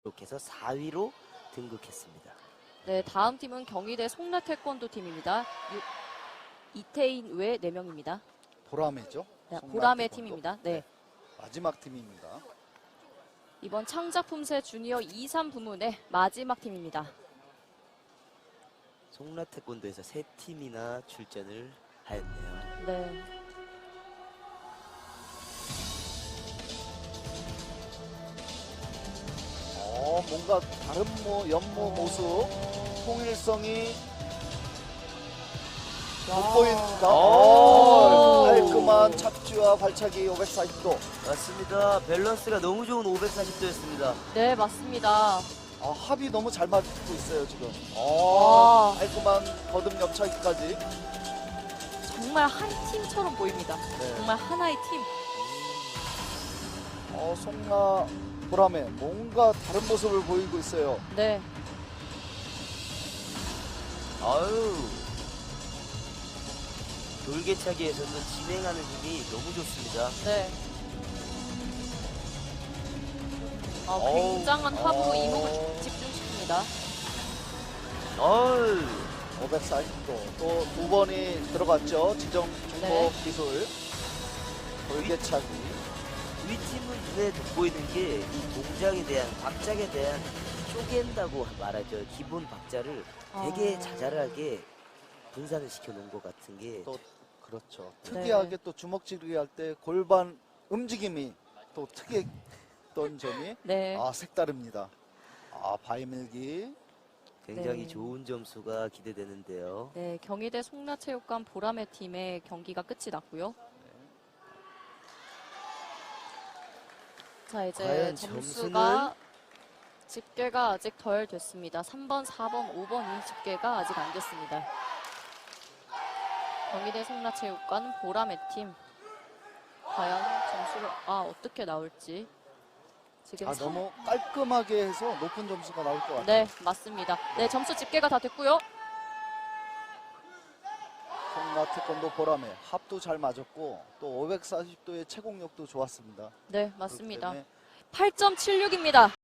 이렇게 해서 4위로 등극했습니다. 네, 다음 팀은 경희대 송라 태권도 팀입니다. 이태인 외 4명입니다. 보라매죠? 네, 송라 보라매 태권도. 팀입니다. 네. 마지막 팀입니다. 이번 창작품새 주니어 2, 3 부문의 마지막 팀입니다. 송라 태권도에서 3팀이나 출전을 하였네요. 네. 뭔가 다른 연모 모습, 통일성이 돋보인다. 깔끔한 착지와 발차기 540도. 맞습니다. 밸런스가 너무 좋은 540도였습니다. 네, 맞습니다. 합이 너무 잘 맞고 있어요, 지금. 와. 깔끔한 거듭 옆차기까지. 정말 한 팀처럼 보입니다. 네. 정말 하나의 팀. 송라 보라매 뭔가 다른 모습을 보이고 있어요. 네. 아유. 돌개차기에서도 진행하는 힘이 너무 좋습니다. 네. 굉장한 합으로 이목을 집중시킵니다. 어우. 540도 또 2번이 들어갔죠. 지정 중법 네. 기술 돌개차기. 우리 팀은 눈에 돋보이는 게 이 동작에 대한 박작에 대한 쪼갠다고 말하죠. 기본 박자를 되게 자잘하게 분산을 시켜 놓은 것 같은 게 또 그렇죠. 특이하게 또 주먹질기 할 때 골반 움직임이 또 특이했던 점이 네. 색다릅니다. 바위밀기. 굉장히 네. 좋은 점수가 기대되는데요. 네, 경희대 송라체육관 보라매 팀의 경기가 끝이 났고요. 자, 이제 과연 점수가 집계가 아직 덜 됐습니다. 3번, 4번, 5번이 집계가 아직 안 됐습니다. 경희대 송라체육관 보라매 팀 과연 점수가 어떻게 나올지 지금 너무 깔끔하게 해서 높은 점수가 나올 것 같아요. 네, 맞습니다. 네, 점수 집계가 다 됐고요. 송라 태권도 보라매 합도 잘 맞았고 또 540도의 채공력도 좋았습니다. 네, 맞습니다. 그렇기 때문에 8.76입니다.